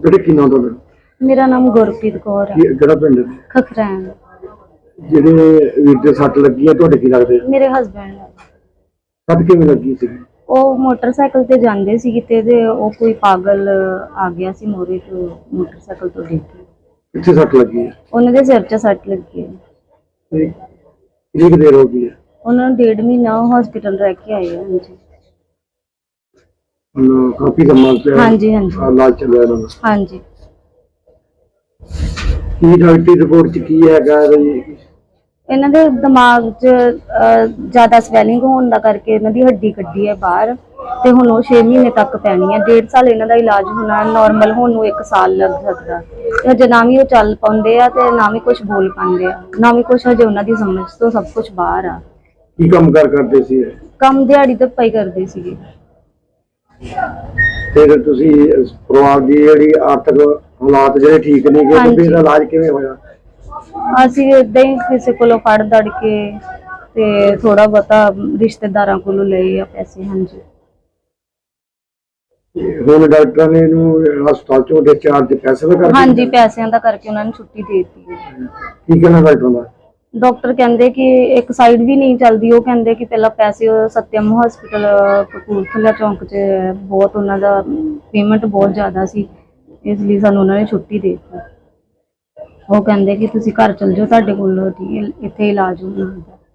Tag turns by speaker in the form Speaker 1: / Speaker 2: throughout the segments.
Speaker 1: बेटे की नाम ਤੁਹਾਡਾ?
Speaker 2: मेरा नाम गुरप्रीत कौर है।
Speaker 1: ਕਿਹੜਾ ਪਿੰਡ ਹੈ?
Speaker 2: खखरैन।
Speaker 1: ਜਿਹੜੇ ਵੀਰ ਦੇ ਸੱਟ ਲੱਗੀ ਹੈ ਤੁਹਾਡੇ ਕੀ ਲੱਗਦੇ?
Speaker 2: मेरे हस्बैंड है।
Speaker 1: ਸੱਟ ਕਿਵੇਂ ਲੱਗੀ ਸੀ?
Speaker 2: ਉਹ ਮੋਟਰਸਾਈਕਲ ਤੇ ਜਾਂਦੇ ਸੀ ਕਿਤੇ ਤੇ ਉਹ ਕੋਈ ਪਾਗਲ ਆ ਗਿਆ ਸੀ ਮੋਰੇ ਤੋਂ ਮੋਟਰਸਾਈਕਲ ਤੋਂ ਡਿੱਗ ਕੇ।
Speaker 1: ਕਿੱਥੇ ਸੱਟ ਲੱਗੀ ਹੈ?
Speaker 2: ਉਹਨਾਂ ਦੇ ਸਿਰ 'ਚ ਸੱਟ ਲੱਗੀ ਹੈ।
Speaker 1: ਕਿੰਨੀ ਦੇਰ ਹੋ ਗਈ ਹੈ?
Speaker 2: ਉਹਨਾਂ ਨੂੰ 1.5 ਮਹੀਨਾ ਹਸਪੀਟਲ ਰਹਿ ਕੇ ਆਏ ਆ।
Speaker 1: ਕਾਫੀ ਸਮਾਂ ਤੇ
Speaker 2: ਹਾਂਜੀ ਹਾਂਜੀ
Speaker 1: ਇਲਾਜ ਚੱਲਿਆ ਇਹਨਾਂ ਦਾ।
Speaker 2: ਹਾਂਜੀ।
Speaker 1: ਕੀ ਡਾਕਟਰੀ ਰਿਪੋਰਟ ਚ ਕੀ ਹੈਗਾ ਜੀ?
Speaker 2: ਇਹਨਾਂ ਦੇ ਦਿਮਾਗ 'ਚ ਜ਼ਿਆਦਾ ਸਵੈਲਿੰਗ ਹੋਣ ਦਾ ਕਰਕੇ ਇਹਨਾਂ ਦੀ ਹੱਡੀ ਕੱਢੀ ਹੈ ਬਾਹਰ ਤੇ ਹੁਣ ਉਹ 6 ਮਹੀਨੇ ਤੱਕ ਪੈਣੀ ਹੈ। 1.5 ਸਾਲ ਇਹਨਾਂ ਦਾ ਇਲਾਜ ਹੋਣਾ, ਨਾਰਮਲ ਹੋਣ ਨੂੰ 1 ਸਾਲ ਲੱਗ ਸਕਦਾ। ਹਜੇ ਨਾ ਵੀ ਉਹ ਚੱਲ ਪਾਉਂਦੇ ਆ ਤੇ ਨਾ ਵੀ ਕੁਝ ਬੋਲ ਪਾਉਂਦੇ ਆ, ਨਾ ਵੀ ਕੁਝ ਹਜੇ ਉਹਨਾਂ ਦੀ ਸਮਝ ਤੋਂ ਸਭ ਕੁਝ ਬਾਹਰ ਆ।
Speaker 1: ਕੀ ਕੰਮ ਕਰਦੇ ਸੀ?
Speaker 2: ਕੰਮ ਦਿਹਾੜੀ ਤੇ ਪਈ ਕਰਦੇ ਸੀਗੇ।
Speaker 1: ਫਿਰ ਤੁਸੀਂ ਪਰਿਵਾਰ ਦੀ ਜਿਹੜੀ ਆਰਥਿਕ ਹਾਲਾਤ ਜਿਹੜੇ ਠੀਕ ਨਹੀਂ ਗਏ ਤੇ ਫਿਰ ਇਲਾਜ ਕਿਵੇਂ ਹੋਇਆ?
Speaker 2: ਅਸੀਂ ਏਦਾਂ ਹੀ ਕਿਸੇ ਕੋਲੋਂ ਫੜ ਦੜ ਕੇ ਤੇ ਥੋੜਾ ਬਹੁਤਾ ਰਿਸ਼ਤੇਦਾਰਾਂ ਕੋਲੋਂ ਲਏ ਆ ਪੈਸੇ। ਹਾਂਜੀ।
Speaker 1: ਹੁਣ ਡਾਕਟਰਾਂ ਨੇ ਇਹਨੂੰ ਹਸਪਤਾਲ ਚੋਂ ਡਿਸਚਾਰਜ ਪੈਸੇ ਦਾ ਕਰਕੇ?
Speaker 2: ਹਾਂਜੀ, ਪੈਸਿਆਂ ਦਾ ਕਰਕੇ ਉਹਨਾਂ ਨੇ ਛੁੱਟੀ ਦੇ ਦਿੱਤੀ ਹੈ।
Speaker 1: ਕੀ ਕਹਿਣਾ ਡਾਕਟਰ ਦਾ?
Speaker 2: ਡਾਕਟਰ ਕਹਿੰਦੇ ਕਿ ਇੱਕ ਸਾਈਡ ਵੀ ਨਹੀਂ ਚੱਲਦੀ। ਉਹ ਕਹਿੰਦੇ ਕਿ ਪਹਿਲਾਂ ਪੈਸੇ ਸਤਿਅਮ ਹਸਪੀਟਲ ਕਪੂਰਥਲਾ ਚੌਂਕ 'ਚ ਬਹੁਤ ਉਹਨਾਂ ਦਾ ਪੇਮੈਂਟ ਬਹੁਤ ਜ਼ਿਆਦਾ ਸੀ, ਇਸ ਲਈ ਸਾਨੂੰ ਉਹਨਾਂ ਨੇ ਛੁੱਟੀ ਦੇ ਦਿੱਤੀ। ਉਹ ਕਹਿੰਦੇ ਕਿ ਤੁਸੀਂ ਘਰ ਚਲ ਜਾਓ, ਤੁਹਾਡੇ ਕੋਲ ਇੱਥੇ ਇਲਾਜ ਹੋਣਾ।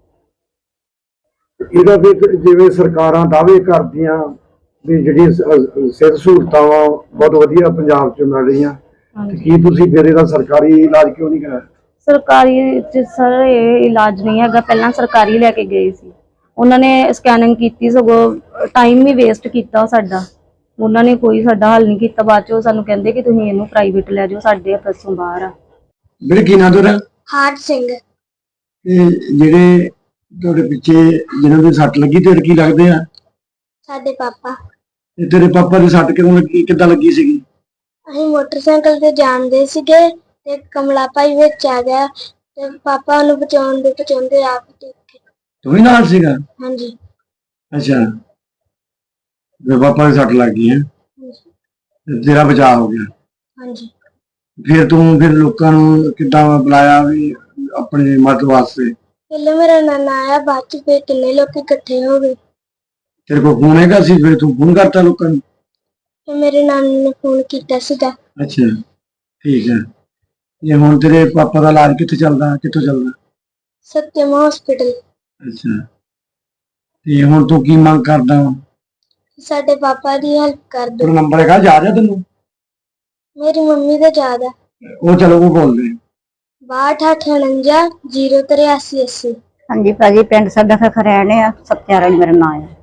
Speaker 1: ਇਹਦਾ ਫਿਰ ਜਿਵੇਂ ਸਰਕਾਰਾਂ ਦਾਅਵੇ ਕਰਦੀਆਂ ਵੀ ਜਿਹੜੀ ਸਿਹਤ ਸਹੂਲਤਾਂ ਵਾ ਬਹੁਤ ਵਧੀਆ ਪੰਜਾਬ 'ਚ ਮਿਲ ਰਹੀਆਂ, ਕੀ ਤੁਸੀਂ ਫਿਰ ਇਹਦਾ ਸਰਕਾਰੀ ਇਲਾਜ ਕਿਉਂ ਨਹੀਂ ਕਰਾਇਆ?
Speaker 2: ਸਰਕਾਰੀ 'ਚ ਸਰ ਇਹ ਇਲਾਜ ਨਹੀਂ ਹੈਗਾ। ਪਹਿਲਾਂ ਸਰਕਾਰੀ ਲੈ ਕੇ ਗਏ ਸੀ, ਉਹਨਾਂ ਨੇ ਸਕੈਨਿੰਗ ਕੀਤੀ, ਸਗੋਂ ਟਾਈਮ ਵੀ ਵੇਸਟ ਕੀਤਾ ਸਾਡਾ। ਉਹਨਾਂ ਨੇ ਕੋਈ ਸਾਡਾ ਹੱਲ ਨਹੀਂ ਕੀਤਾ। ਬਾਅਦ 'ਚੋਂ ਸਾਨੂੰ ਕਹਿੰਦੇ ਕਿ ਤੁਸੀਂ ਇਹਨੂੰ ਪ੍ਰਾਈਵੇਟ ਲੈ ਜਾਓ, ਸਾਡੇ ਹੱਥੋਂ ਬਾਹਰ ਆ।
Speaker 1: ਮੇਰੇ ਕੀ ਨਾਂ ਤੁਹਾਡਾ?
Speaker 3: ਹਾਰ ਸਿੰਘ।
Speaker 1: ਇਹ ਜਿਹੜੇ ਤੁਹਾਡੇ ਪਿੱਛੇ ਜਿਹਨਾਂ ਦੇ ਸੱਟ ਲੱਗੀ ਤੇ ਕੀ ਲੱਗਦੇ ਆ?
Speaker 3: ਸਾਡੇ ਪਾਪਾ।
Speaker 1: ਤੇ ਤੇਰੇ ਪਾਪਾ ਦੀ ਸੱਟ ਕਿਉਂ ਲੱਗੀ, ਕਿੱਦਾਂ ਲੱਗੀ ਸੀਗੀ?
Speaker 3: ਅਸੀਂ ਮੋਟਰਸਾਈਕਲ ਤੇ ਜਾਂਦੇ ਸੀਗੇ ਤੇ ਕਮਲਾ ਭਾਈ ਵਿੱਚ ਆ ਗਿਆ ਤੇ ਪਾਪਾ ਨੂੰ ਬਚਾਉਂਦੇ ਆਪ ਡਿੱਗ ਗਏ।
Speaker 1: ਤੂੰ ਵੀ ਨਾਲ ਸੀਗਾ?
Speaker 3: ਹਾਂਜੀ।
Speaker 1: ਅੱਛਾ, ਤੇ ਪਾਪਾ ਦੀ ਸੱਟ ਲੱਗ ਗਈ ਹੈ, ਤੇਰਾ ਬਚਾਅ ਹੋ ਗਿਆ।
Speaker 3: ਹਾਂਜੀ।
Speaker 1: ਫਿਰ ਲੋਕਾਂ ਨੂੰ ਕਿੱਦਾਂ ਬੁਲਾਇਆ ਵੀ ਆਪਣੇ ਮਦਦ ਵਾਸਤੇ?
Speaker 3: ਪਹਿਲੇ ਮੇਰਾ ਨਾਨਾ ਆਇਆ, ਬਾਅਦ ਚ ਫਿਰ ਕਿੰਨੇ ਲੋਕ ਇਕੱਠੇ ਹੋ ਗਏ।
Speaker 1: ਤੇਰੇ ਕੋਲ ਫੋਨ ਹੈਗਾ ਸੀ, ਫਿਰ ਤੂੰ ਫੋਨ ਕਰਤਾ ਲੋਕਾਂ ਨੂੰ?
Speaker 3: ਤੇ ਮੇਰੇ ਨਾਨੇ ਨੇ ਫੋਨ ਕੀਤਾ ਸੀਗਾ।
Speaker 1: ਅੱਛਾ, ਠੀਕ ਹੈ। ਇਹ ਹੁਣ ਤੇਰੇ ਪਾਪਾ ਦਾ ਇਲਾਜ ਕਿੱਥੋਂ ਚੱਲਦਾ?
Speaker 3: ਸਤਿਅਮ ਹਸਪੀਟਲ।
Speaker 1: ਅੱਛਾ, ਤੇ ਹੁਣ ਤੂੰ ਕੀ ਮੰਗ ਕਰਦਾ ਵਾ?
Speaker 3: ਸਾਡੇ ਪਾਪਾ ਦੀ ਹੈਲਪ ਕਰ ਦਿਓ।
Speaker 1: ਤੇਰਾ ਨੰਬਰ ਹੈਗਾ, ਯਾਦ ਹੈ ਤੈਨੂੰ?
Speaker 3: ਮੇਰੀ ਮੰਮੀ ਦਾ ਯਾਦ ਆ।
Speaker 1: ਉਹ ਚਲੋ ਉਹ ਬੋਲਦੇ।
Speaker 3: 6258 08380।
Speaker 2: ਹਾਂਜੀ ਭਾਜੀ, ਪਿੰਡ ਸਾਡਾ ਖਖਰੈਣ ਆ, ਸਤਿਆਰਾਣੀ ਮੇਰਾ ਨਾਮ ਹੈ।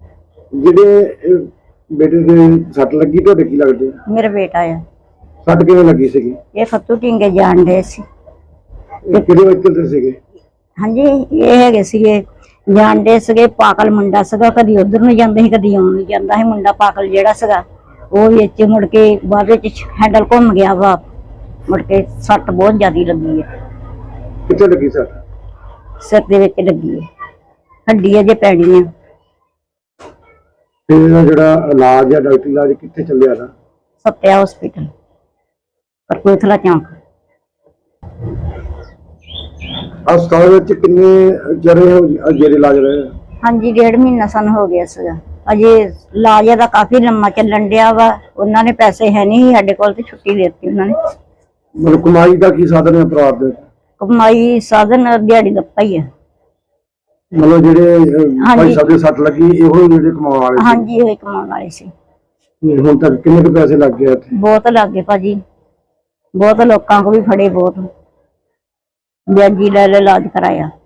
Speaker 1: ਜਿਹੜੇ ਬੇਟੇ ਦੇ ਸੱਟ ਲੱਗੀ ਤੁਹਾਡੇ ਕੀ ਲੱਗਦੇ?
Speaker 2: ਮੇਰਾ ਬੇਟਾ ਆ।
Speaker 1: ਸੱਟ ਕਿਵੇਂ ਲੱਗੀ ਸੀਗੀ?
Speaker 2: ਇਹ ਫੱਤੂ ਢਿੰਗੇ ਜਾਣ ਦੇ ਸੀ।
Speaker 1: ਇਹ ਕਿਹੜੇ ਵਕੀਲ ਤੇ ਸੀਗੇ?
Speaker 2: ਹਾਂਜੀ, ਇਹ ਹੈਗੇ ਸੀਗੇ ਜਾਣਦੇ ਸੀਗੇ। ਪਾਗਲ ਮੁੰਡਾ ਸੀਗਾ, ਕਦੀ ਉਧਰ ਨੂੰ ਜਾਂਦੇ ਸੀ, ਕਦੀ ਆਉਣ ਨੂੰ ਜਾਂਦਾ ਸੀ। ਮੁੰਡਾ ਪਾਗਲ ਜਿਹੜਾ ਸੀਗਾ ਉਹ ਵਿੱਚ ਮੁੜ ਕੇ ਬਾਅਦ ਵਿੱਚ ਹੈਂਡਲ ਘੁੰਮ ਗਿਆ ਵਾ, ਮੁੜ ਕੇ ਸੱਟ ਬਹੁਤ ਜ਼ਿਆਦਾ ਲੱਗੀ ਹੈ।
Speaker 1: ਕਿੱਥੇ ਲੱਗੀ ਸੱਟ?
Speaker 2: ਸਿਰ ਦੇ ਵਿੱਚ ਲੱਗੀ ਹੈ, ਹੱਡੀ ਅਜੇ ਪੈਣੀ ਹੈ।
Speaker 1: ਤੇ ਇਹਦਾ ਜਿਹੜਾ ਇਲਾਜ ਹੈ, ਡਾਕਟਰੀ ਇਲਾਜ ਕਿੱਥੇ ਚੱਲਿਆ ਦਾ?
Speaker 2: ਸਤਿਆ ਹਸਪੀਟਲ ਕਪੂਰਥਲਾ ਚੌਂਕ।
Speaker 1: ਹਸਪਤਾਲ ਵਿੱਚ ਕਿੰਨੇ ਜਿਹੜੇ ਇਲਾਜ ਰਹੇ?
Speaker 2: ਹਾਂਜੀ, 1.5 ਮਹੀਨਾ ਸਾਨੂੰ ਹੋ ਗਿਆ ਸੀਗਾ। ਅਜੇ ਇਲਾਜ ਦਾ ਕਾਫੀ ਲੰਮਾ ਚੱਲਣ ਡਿਆ ਵਾ। ਉਹਨਾਂ ਨੇ ਪੈਸੇ ਹੈ ਨਹੀਂ ਸਾਡੇ ਕੋਲ ਤੇ ਛੁੱਟੀ ਦੇ ਦਿੱਤੀ ਉਹਨਾਂ ਨੇ।
Speaker 1: ਮਤਲਬ ਕਮਾਈ ਦਾ ਕੀ ਸਾਧਨ ਹੈ ਪਰਿਵਾਰ ਦੇ?
Speaker 2: ਕਮਾਈ ਸਾਧਨ ਦਿਹਾੜੀ ਦੱਪਾ ਹੀ ਹੈ।
Speaker 1: ਮਤਲਬ ਜਿਹੜੇ ਭਾਈ ਸਾਹਿਬ ਦੇ ਸੱਟ ਲੱਗੀ ਇਹੋ ਜਿਹੜੇ ਕਮਾਉਣ ਵਾਲੇ ਸੀ?
Speaker 2: ਹਾਂਜੀ, ਇਹ ਕਮਾਉਣ ਵਾਲੇ ਸੀ।
Speaker 1: ਹੁਣ ਤੱਕ ਕਿੰਨੇ ਕੁ ਪੈਸੇ ਲੱਗ ਗਏ ਇੱਥੇ?
Speaker 2: ਬਹੁਤ ਲੱਗ ਗਏ ਭਾਜੀ, ਬਹੁਤ ਲੋਕਾਂ ਕੋ ਵੀ ਫੜੇ, ਬਹੁਤ ਵਿਆਜੀ ਲੈ ਇਲਾਜ ਕਰਾਇਆ।